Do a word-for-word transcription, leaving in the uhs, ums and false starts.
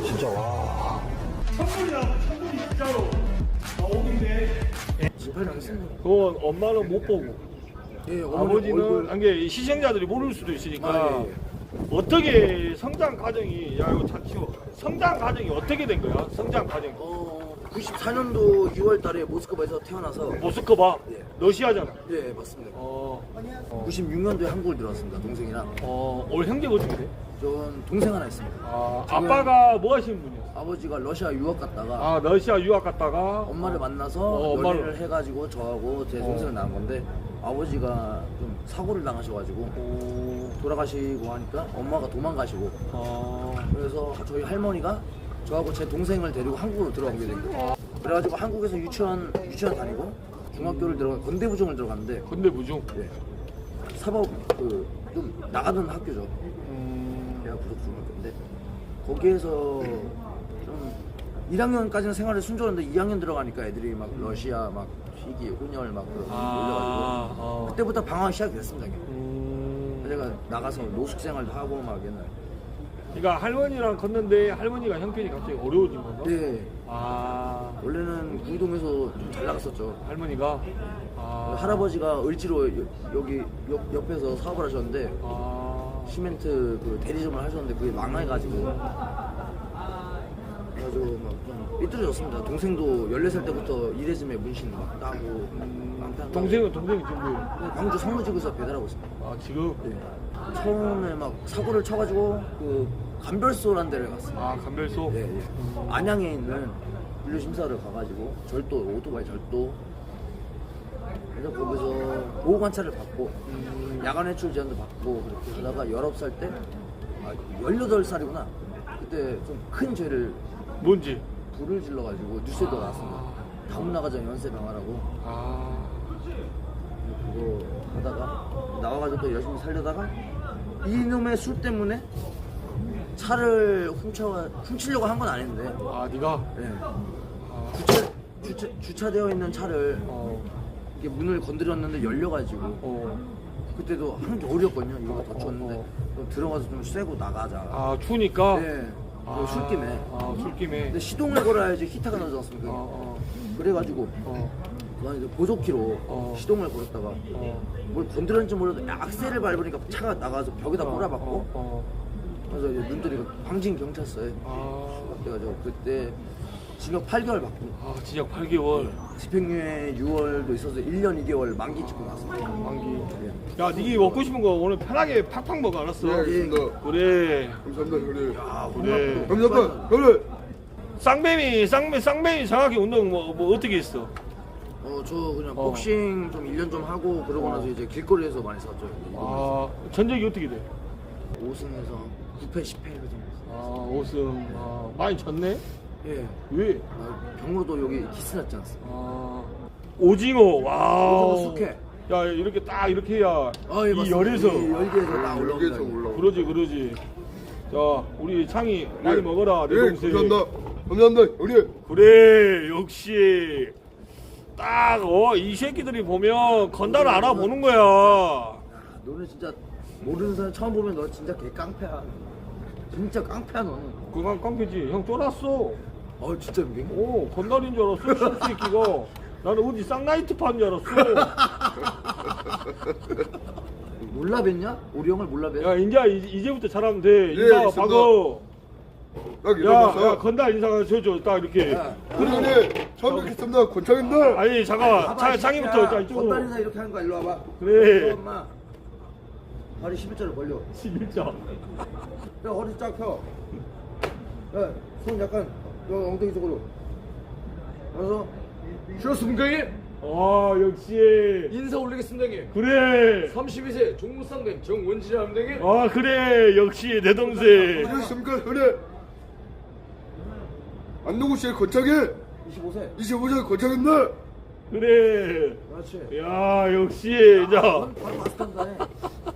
진짜 와. 천불이라고 천불이 진짜로 나오긴데 그건 엄마는 못 보고 예, 아버지는 한게 시청자들이 모를 수도 있으니까 아, 예, 예. 어떻게 성장 과정이 야 이거 다 치워 성장 과정이 어떻게 된 거야? 성장 과정 어, 구십사 년도 유월 달에 모스크바에서 태어나서 모스크바 예. 러시아잖아. 예, 맞습니다. 어, 구십육 년도에 한국을 들어왔습니다. 동생이랑. 어, 올 형제가 어떻게 돼? 전 동생 하나 있습니다. 아, 지금- 아빠가 뭐 하시는 분이었어? 아버지가 러시아 유학 갔다가 아, 러시아 유학 갔다가 엄마를 만나서 어, 연애를 엄마를- 해가지고 저하고 제 어. 동생을 낳은 건데 아버지가 좀 사고를 당하셔가지고 오, 돌아가시고 하니까 엄마가 도망가시고 아, 그래서 저희 할머니가 저하고 제 동생을 데리고 한국으로 들어가게 된 거예요. 그래가지고 한국에서 유치원 유치원 다니고 중학교를 들어가 건대부중을 들어갔는데 근데 무중. 예, 사법 그 좀 나가던 학교죠. 음, 대학 부속 중학교인데 거기에서 좀 일 학년까지는 생활을 순조로운데 이 학년 들어가니까 애들이 막 러시아 막 희귀 혼혈 막 그 아, 올려가지고 어. 그때부터 방황이 시작됐습니다. 음, 제가 나가서 노숙 생활도 하고 막 옛날. 그러니까 할머니랑 걷는데 할머니가 형편이 갑자기 어려워진 건가? 네. 아, 원래는 구이동에서 좀 잘 나갔었죠. 할머니가 아, 할아버지가 을지로 여- 여기 옆, 옆에서 사업을 하셨는데 아, 시멘트 그 대리점을 하셨는데 그게 망해가지고 그래가지고 막 좀 삐뚤어졌습니다. 동생도 열네 살 때부터 이레즈메 문신 막 따고 막 따고. 동생은 동생이 지금 뭐? 광주 성무지구에서 배달하고 있습니다. 아, 지금 네. 처음에 막 사고를 쳐가지고 그 감별소라는 데를 갔어요. 아, 감별소. 예, 예. 안양에 있는 분류심사를 가가지고 절도, 오토바이 절도 그래서 거기서 보호관찰을 받고 음, 야간 외출 제한도 받고 그렇게 하다가 열아홉 살 때 아, 열여덟 살이구나 그때 좀 큰 죄를 뭔지. 불을 질러가지고 뉴스에도 나왔습니다. 다음 나가자 연쇄 방화라고 아, 그거 하다가 나와가지고 또 열심히 살려다가 이놈의 술 때문에 차를 훔쳐 훔치려고 한 건 아닌데 아, 네가. 예. 아, 주차, 주차, 주차되어 있는 차를 어, 이렇게 문을 건드렸는데 열려가지고 어. 그때도 한겨울이었거든요 이거 더 추웠는데 어, 좀 들어가서 좀 쐬고 나가자. 아, 추우니까. 네. 아, 그 술김에. 아, 술김에. 근데 시동을 걸어야지 히터가 나지 않습니까? 어, 어, 그래가지고 어, 난 이제 보조키로 어. 시동을 걸었다가 어. 뭘 건드렸는지 몰라도 악셀을 밟으니까 차가 나가서 벽에다 어, 꼬라박고 어, 어. 그래서 이제 눈들이 광진 경찰서에 아, 그래가지고 그때 징역 팔 개월 받고 아, 진짜 팔 개월. 집행유예 유월도 있어서 일 년 이 개월 만기 찍고 나왔습니다. 만기. 예. 야, 니가 먹고 싶은 거 오늘 편하게 팍팍 먹어, 알았어? 네, 알겠습니다. 그래. 감사합니다, 형님. 아, 그래. 감사합니다, 형님. 쌍뱀이, 쌍뱀, 쌍뱀이 정확히 운동 뭐, 뭐 어떻게 했어? 어, 저 그냥 어. 복싱 좀 일 년 좀 하고 그러고 나서 이제 길거리에서 많이 샀죠. 아, 전적이 어떻게 돼? 오 승에서 구 패 십 패 그 정도. 아, 오승. 아, 많이 졌네? 예. 왜? 아, 병으로도 여기 키스 났지 않습니까? 아, 오징어, 와. 오징어 숙회. 야, 이렇게 딱 이렇게 해야 아, 예, 이 맞습니다. 열에서. 이 열기에서 딱 올라옵니다. 여기에서 올라오고. 그러지, 그러지. 자, 우리 창이 많이 예. 먹어라, 내 예, 동생. 감사합니다. 감사합니다, 형님. 그래, 역시. 딱, 어, 이 새끼들이 보면 건달을 알아보는 거야. 야, 너는 진짜 모르는 사람 처음 보면 너 진짜 개 깡패야. 진짜 깡패야 너는. 그건 깡패지. 형 쫄았어. 어 진짜 미 오, 건달인 줄 알았어, 이 새끼가. 나는 어디 쌍라이트 파는 줄 알았어. 몰라 뵀냐? 우리 형을 몰라 뵀? 야, 이제, 이- 이제부터 잘하면 돼. 인사 알겠습니다. 박어. 딱 야, 일어나서. 야, 건달 인사가 저저 딱 이렇게. 야, 우리 형님, 처음 뵙겠습니다. 권창입니다. 아니, 잠깐만. 자, 창이부터 자, 이쪽으로. 건달이나 이렇게 하는 거야. 일로 와봐. 그래. 엄마. 다리 십일 자를 벌려. 십일 자. 야 허리 쫙 펴. 야, 손 약간 여 엉덩이 쪽으로. 그래서 쉬었습니까 형님? 아, 역시. 인사 올리겠습니다 형님. 그래. 삼십이 세 종무쌍뱀 정원진이랍니다 형님. 아, 그래. 역시 내 동생. 안녕하십니까, 형님. 안동구시의 권창이 이십오 세. 이십오 세 권창입니다. 그래. 그렇지. 야, 역시. 자. 넌 바로 마스터인다 해.